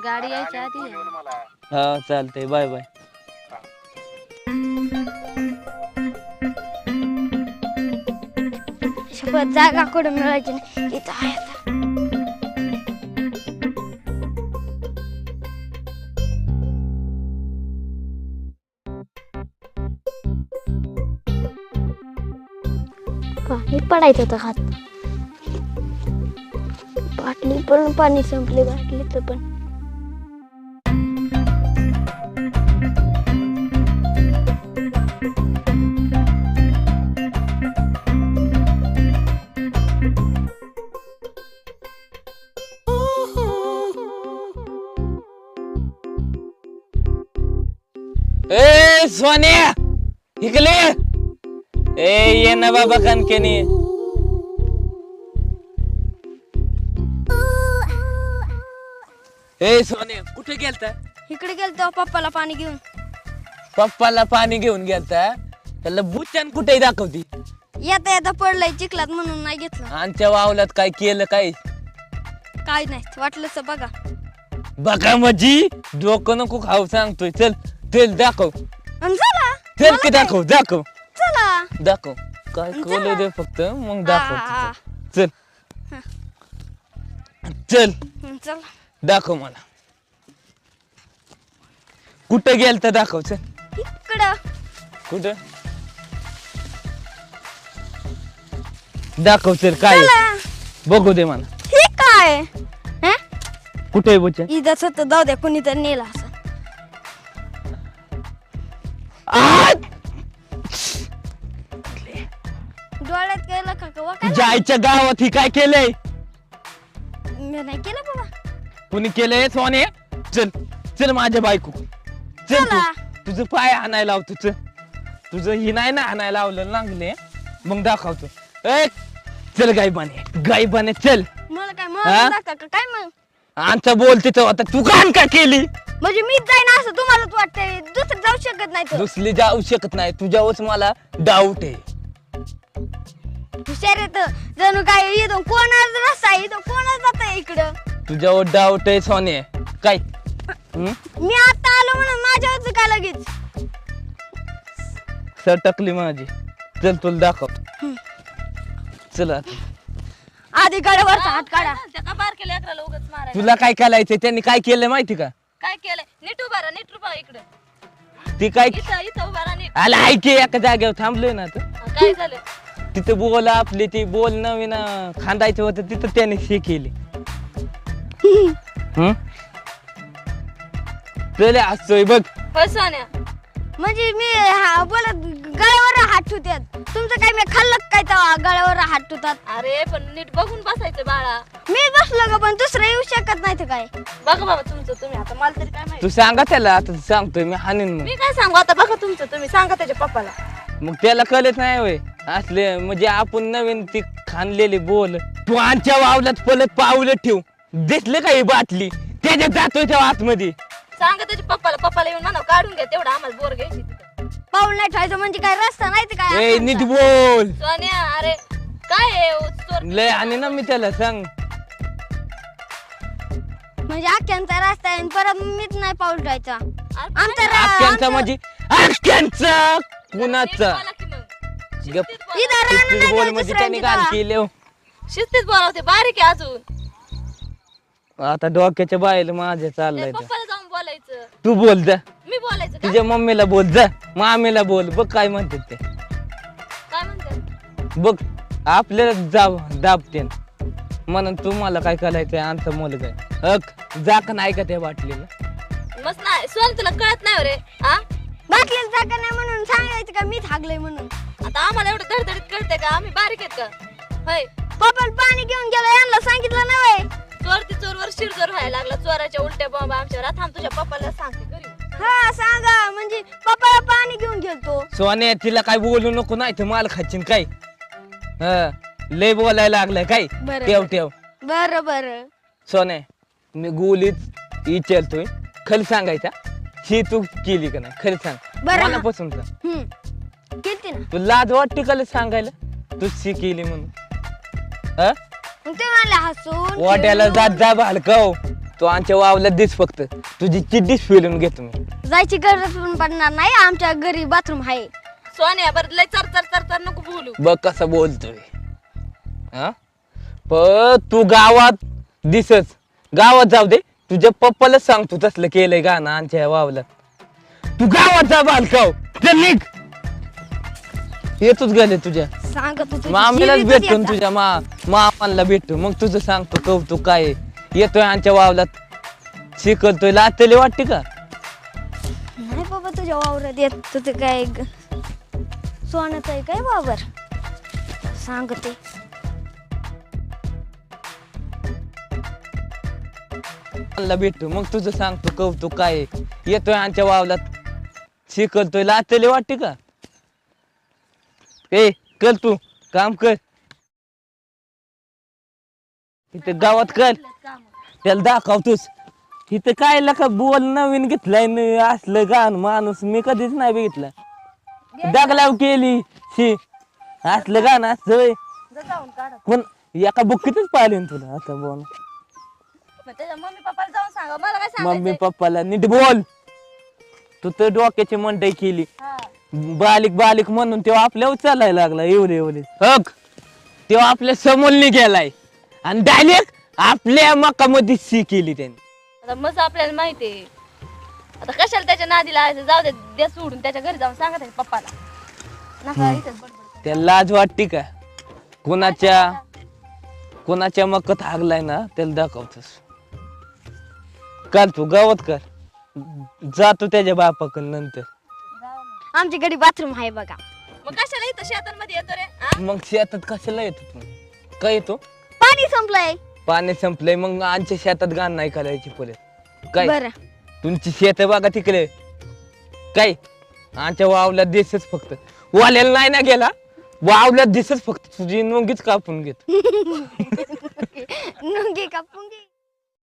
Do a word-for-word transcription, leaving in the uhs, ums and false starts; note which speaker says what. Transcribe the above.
Speaker 1: गाडी यायच्या आधी
Speaker 2: हा चालतंय बाय बाय
Speaker 3: शपथ जागा कुठं मिळायची नाही इथं आहे आता. पाणी पडायचं होतं हात बाटली पण पाणी संपले बाटलीचं पण
Speaker 2: ए सोन्या इकडे ए ये ना बाबा कणकेनी ए सोन्या कुठे गेलता
Speaker 3: इकडे गेलतो पप्पाला पाणी घेऊन
Speaker 2: पप्पाला पाणी घेऊन गेलता त्याला बुच्चान कुठे दाखवती
Speaker 3: येता येता पडलंय चिखलात म्हणून नाही घेतलं
Speaker 2: आमच्या वावलात काय केलं काय
Speaker 3: काय नाही वाटलंच बघा
Speaker 2: बघा माझी डोकं नको खाऊ सांगतोय चल तेल दाखव
Speaker 3: अन चला
Speaker 2: चल की दाखव दाखव
Speaker 3: चला
Speaker 2: दाखव काय कळलं दे फक्त मग दाखव
Speaker 3: हा.
Speaker 2: चल चल
Speaker 3: हं, चला
Speaker 2: दाखव मला कुठं गेल तर दाखव चल
Speaker 3: इकडं
Speaker 2: कुठं दाखव चल काय आहे?
Speaker 3: चला.
Speaker 2: बघू दे मला
Speaker 3: हे काय हं?
Speaker 2: कुठे आहे बुच्चा
Speaker 3: इथंच होतं जाऊ द्या कोणी तर नेला असं डोळ्यात केलं का कवा काय
Speaker 2: जायच्या गावात ही काय केलंय
Speaker 3: मी नाही केलं बाबा
Speaker 2: कुणी केलंय सोने चल चल माझ्या बायको चल तू
Speaker 3: चला.
Speaker 2: तुझं पाय आणायला लावतो चल तुझं ही नाही ना आणायला लावलं लागले मग दाखवतो ए चल गायबाने गायबाने चल
Speaker 3: मला काय
Speaker 2: हा?
Speaker 3: मला दाखवा का काय मग
Speaker 2: आमचा बोल तिथं आता तू घाण का केली
Speaker 3: म्हणजे मीच जाईन असं तुम्हालाच वाटतंय दुसरं जाऊ शकत नाही तर
Speaker 2: दुसरी जाऊ शकत नाही तुझ्यावरच मला डाऊट आहे
Speaker 3: हुशार येत जणू काय इथून कोणाच रस्ता आहे इथून कोणाच जात इकडं
Speaker 2: तुझ्यावर डाऊट आहे सोने काय हं?
Speaker 3: मी आता आलो म्हणून माझ्यावरच काय लगेच
Speaker 2: सटकली माझी चल तुला दाखव चल आता.
Speaker 3: आधी गडावरचा हात काढा
Speaker 1: का बार केलं अकराला उगाच मारायला
Speaker 2: तुला काय करायचंय त्यांनी काय केलं माहिती का
Speaker 1: काय केलंय नीट उभा राहा नीट उभा इकडं
Speaker 2: ती काय
Speaker 1: इथं इथं उभा राहा नीट
Speaker 2: आला ऐके एका जागेवर थांबलोय ना आता
Speaker 1: हा, काय झालं
Speaker 2: तिथं बोल आपली ती बोल नवीन अं, खांदायचं होतं तिथं त्याने हे केली हं? चल असतोय बघ
Speaker 1: होय सोन्या
Speaker 3: म्हणजे मी हा- बोलत गळ्यावर हात ठेवतात तुमचं काय मी खाल्लं काय तेव्हा गळ्यावर हात ठेवतात
Speaker 1: अरे पण नीट बघून बसायचं बाळा
Speaker 3: मी बसलो ग पण दुसरं येऊ शकत नाही तर काय
Speaker 1: बघा बाबा तुमचं तुम्ही आता मला तरी काय माहिती
Speaker 2: तू सांगा त्याला आता सांगतोय मी हानीन मग
Speaker 1: मी काय सांगू आता बघा तुमचं तुम्ही सांगा त्याच्या पप्पाला
Speaker 2: मग त्याला कळत नाही होय असले म्हणजे आपण नवीन ती खाणलेली बोल तू आमच्या वावलात पलत पावलं ठेव दिसले का ही बाटली त्याच्यात जातोय त्या आतमध्ये
Speaker 1: सांगा त्याच्या पप्पाला पप्पाला येऊन म्हणा काढून घ्या तेवढं आम्हाला बोर घ्यायची तिथं.
Speaker 3: पाऊल नाही ठेवायचं म्हणजे काय रस्ता नाही तर काय
Speaker 2: ए
Speaker 3: असायचा.
Speaker 2: नीट बोल
Speaker 1: सोन्या अरे काय आहे ओ, चोर-
Speaker 2: लय आणि ना मी त्याला सांग
Speaker 3: म्हणजे अख्ख्यांचा रस्ता आहे आणि परत मीच नाही पाऊल ठेवायचा
Speaker 1: अरे
Speaker 3: आमचा रा-
Speaker 2: आख्यांचा
Speaker 3: आमचं-
Speaker 2: म्हणजे आख्यांचा
Speaker 1: नीट
Speaker 2: कुणाचा
Speaker 1: बोला की मग.
Speaker 2: गप.
Speaker 1: शिस्तीत बोला.
Speaker 3: इथं राहणं
Speaker 2: शिस्तीत
Speaker 3: नाही
Speaker 2: बोल
Speaker 3: तर
Speaker 2: म्हणजे
Speaker 3: दुसऱ्या
Speaker 2: त्यांनी
Speaker 3: तिथं.
Speaker 2: घाण केले
Speaker 1: शिस्तीत बोलावते बारीक आहे अजून
Speaker 2: आता डोक्याच्या बाहेर माझ्या
Speaker 1: त्या
Speaker 2: चाललंय ते.
Speaker 1: पप्पाला जाऊन बोलायचं
Speaker 2: तू बोल जा
Speaker 1: मी बोलायचं का?
Speaker 2: तुझ्या मम्मीला बोल जा मामीला बोल बघ काय म्हणतात ते
Speaker 1: काय म्हणते
Speaker 2: बघ आपल्याला जाब दाबते म्हणून तुम्हाला काय करायचंय आमचा मुलगा आहे. हक जा का नाही का त्या बाटलीला
Speaker 1: मस्त नाही सोन तुला कळत नाही हो रे हा
Speaker 3: बाटलीला जागा नाही म्हणून सांगायचं का मी थागलोय म्हणून
Speaker 1: आता आम्हाला एवढं धडधडीत कळतंय का आम्ही बारीक आहेत का होय
Speaker 3: पप्पाला पाणी घेऊन गेलो यांना सांगितलं नाही व्हय.
Speaker 1: चोर ती चोरवर शिरजोर व्हायला लागला चोराच्या उलट्या बॉम्ब आमच्यावर आता थांब तुझ्या पप्पाला सांगते घरी
Speaker 3: हा सांगा म्हणजे पप्पाला पाणी घेऊन गेलतो
Speaker 2: सोन्या तिला काय बोलू नको नाही तर माल खाचीन काय हा लय बोलायला लागलाय काय
Speaker 3: बरं.
Speaker 2: ठेव ठेव
Speaker 3: बर बर
Speaker 2: सोन्या मी गोलीत विचारतोय खरं सांगायचा ही तू केली का नाही खरं सांग
Speaker 3: बरं.
Speaker 2: मनापासून सांग
Speaker 3: हम्म केलती ना
Speaker 2: तू लाज वाटते का लय सांगायला तू शी केली म्हणून हा
Speaker 3: मग ते म्हणले हसून
Speaker 2: वाट्याला
Speaker 3: खेळून.
Speaker 2: जात जा भालकाव तू आमच्या वावल्यात दिस फक्त तुझी चिड्डीच फिरून घेतो मी.
Speaker 3: जायची गरज पण पडणार नाही आमच्या घरी बाथरूम आहे.
Speaker 1: सोन्या बरं लय चर चर चर चर नको बोलू.
Speaker 2: बघ कसं बोलतोय हा. पण तू गावात दिसच गावात जाऊ दे तुझ्या पप्पाला सांग तू तसलं केलंय गाणं आमच्या वावल्यात. तू गावात जा बालकाव चल निघ. येतोच गेले तुझ्या
Speaker 3: सांगत होतो
Speaker 2: मामीलाच
Speaker 3: जीवितच
Speaker 2: भेटतो
Speaker 3: येता.
Speaker 2: तुझ्या मा मामाला भेटतो मग तुझं सांगतो कौतुक काय आहे. येतोय आमच्या वावलात शिकवतोय लाचले वाटते का.
Speaker 3: नाही बाबा तुझ्या वावरात येत तुझं काय ग- सोन्याचं आहे काय वावर सांगते.
Speaker 2: मला भेटतो मग तुझं सांगतो कौतुक काय आहे. येतोय आमच्या वावलात शिकवतोय लाचले वाटते का. ए कर तू काम कर इथं गावात कर त्याला दाखवतोस. इथं काय लका बोल नवीन घेतलाय न असलं गाण माणूस मी कधीच नाही बघितलं. दगलाव केली शी असलं गाणं असतं व्हय.
Speaker 1: जाऊन काढा.
Speaker 2: पण एका बुक्कीतच पाहिले ना तुला आता बोल.
Speaker 1: मग त्याच्या मम्मी पप्पाला जाऊन सांगा मला काय
Speaker 2: मम्मी
Speaker 1: सांगायचं.
Speaker 2: पप्पाला नीट बोल. तू तर डोक्याची मंडई केली बालिक बालिक म्हणून तेव्हा आपल्या चालायला लागला एवढे एवढे हक तेव्हा आपल्या समोरने गेलाय आणि डायरेक्ट आपल्या मकामध्ये सी केली त्यांनी.
Speaker 1: आता मस्त आपल्याला माहिती आहे. आता कशाला त्याच्या नादी लावायचं जाऊ दे दे सोडून त्याच्या घरी जाऊन सांगा त्याच्या पप्पाला. नका इथेच बडबड.
Speaker 2: त्याला लाज वाटते का. कोणाच्या कोणाच्या मकत हागलाय ना त्याला दाखवतोस. काल तू गावात कर जातो त्याच्या बापाकडे नंतर.
Speaker 3: आमच्या घरी बाथरूम आहे बघा.
Speaker 1: मग कशाला इथं शेतांमध्ये येतो रे हा?
Speaker 2: मग शेतात कशाला येतो तू. काय येतो
Speaker 3: पाणी संपलंय.
Speaker 2: पाणी संपलंय मग आमच्या शेतात गाण नाही करायची परत काय.
Speaker 3: बरं
Speaker 2: तुमची शेत बघा तिकडे काय आमच्या वावल्यात दिसच फक्त वाल्याला नाही ना गेला वावल्यात दिसच फक्त तुझी नोंगीच कापून घेत.
Speaker 3: नुंगी कापून घे.